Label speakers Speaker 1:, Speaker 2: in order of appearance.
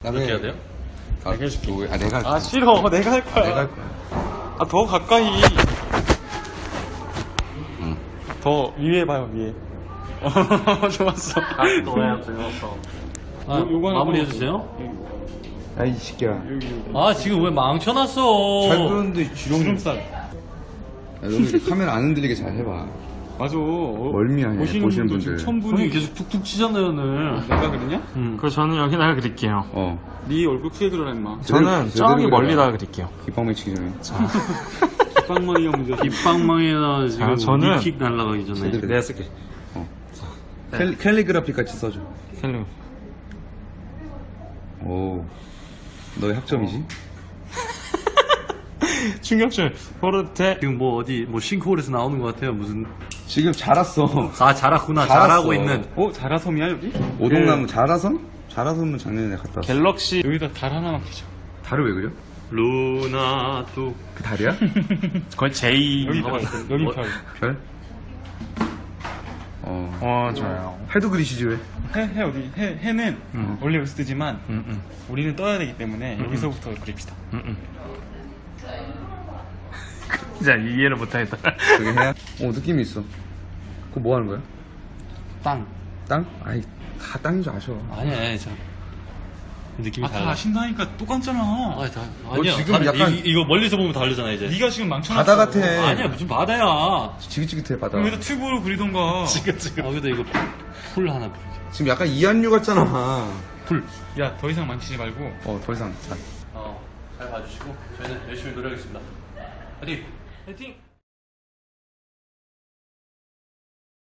Speaker 1: 그렇게 해야 돼요?
Speaker 2: 내가 해줄게.
Speaker 1: 내가 할게.
Speaker 2: 아 싫어. 내가 할 거야.
Speaker 1: 내가 할 거야.
Speaker 2: 아 더 가까이.
Speaker 1: 응.
Speaker 2: 더 위에 봐요 위에. 좋았어.
Speaker 3: 너야 즐거웠어.
Speaker 2: 아, 요거 하나
Speaker 3: 마무리
Speaker 2: 더.
Speaker 3: 해주세요.
Speaker 1: 야, 이 새끼야.
Speaker 3: 아 지금 왜 망쳐놨어?
Speaker 1: 잘 그러는데
Speaker 2: 주름살.
Speaker 1: 야, 너는 이렇게 카메라 안 흔들리게 잘 해봐.
Speaker 2: 맞아.
Speaker 1: 멀미하네,
Speaker 2: 보시는
Speaker 1: 보시는
Speaker 2: 분들 지금
Speaker 1: 분들.
Speaker 2: 1000분이
Speaker 3: 형이 계속 툭툭 치잖아요 오늘.
Speaker 2: 내가 그랬냐?
Speaker 4: 그럼 저는 여기다가 그릴게요.
Speaker 2: 네 얼굴 크게 그려라 임마.
Speaker 4: 저는
Speaker 1: 제대로
Speaker 4: 저기
Speaker 1: 그려라.
Speaker 4: 멀리다가 그릴게요.
Speaker 1: 깃방 맺히기 전에.
Speaker 2: 빵망이가 문제.
Speaker 3: 빗방망이나 지금
Speaker 4: 아, 저는-
Speaker 3: 니킥 날라가기 전에.
Speaker 1: 제대로.
Speaker 4: 내가 쓸게.
Speaker 1: 캘리그라피 같이 써줘.
Speaker 4: 캘리.
Speaker 1: 오. 너의 학점이지?
Speaker 4: 충격줄. 포르테.
Speaker 3: 지금 뭐 어디 뭐 싱크홀에서 나오는 것 같아요. 무슨
Speaker 1: 지금 자랐어.
Speaker 3: 아 잘하구나.
Speaker 1: 잘했어.
Speaker 3: 잘하고 있는.
Speaker 2: 자라섬이야 여기?
Speaker 1: 오동나무 자라섬? 자라섬은 작년에 내가 갔다 왔어.
Speaker 4: 갤럭시.
Speaker 2: 여기다 달 하나만 켜줘.
Speaker 1: 달을 왜 그려?
Speaker 3: 루나 또
Speaker 1: 그 달이야?
Speaker 4: 거의 J.
Speaker 2: 여기 별. 여기 별.
Speaker 1: 별?
Speaker 4: 좋아요.
Speaker 1: 해도 그리시지 왜?
Speaker 2: 해 어디? 해는 원래 여기서 뜨지만 우리는 떠야 되기 때문에 여기서부터 그립시다.
Speaker 4: 진짜 이해를 못하겠다.
Speaker 1: 그게 해야? 느낌이 있어. 그거 뭐 하는 거야?
Speaker 3: 땅.
Speaker 1: 땅? 아이, 다 땅인 줄 아셔.
Speaker 3: 아니야, 저 느낌이
Speaker 2: 다
Speaker 3: 달라.
Speaker 2: 아신다니까 똑같잖아.
Speaker 3: 아니야.
Speaker 1: 지금
Speaker 3: 다르-
Speaker 1: 약간-
Speaker 3: 이거 멀리서 보면 다르잖아 이제.
Speaker 2: 네가 지금 망쳐놨어.
Speaker 1: 바다 같아.
Speaker 3: 아니야 무슨 바다야.
Speaker 1: 지긋지긋해, 바다.
Speaker 2: 그럼 여기다 튜브로 그리던가.
Speaker 3: 지금. 여기다 이거 풀 하나 그려.
Speaker 1: 지금 약간 이한류 같잖아.
Speaker 3: 풀.
Speaker 2: 야, 더 이상 망치지 말고.
Speaker 1: 더 이상. 자.
Speaker 3: 잘 봐주시고 저희는 열심히 노력하겠습니다. 화이팅! 화이팅!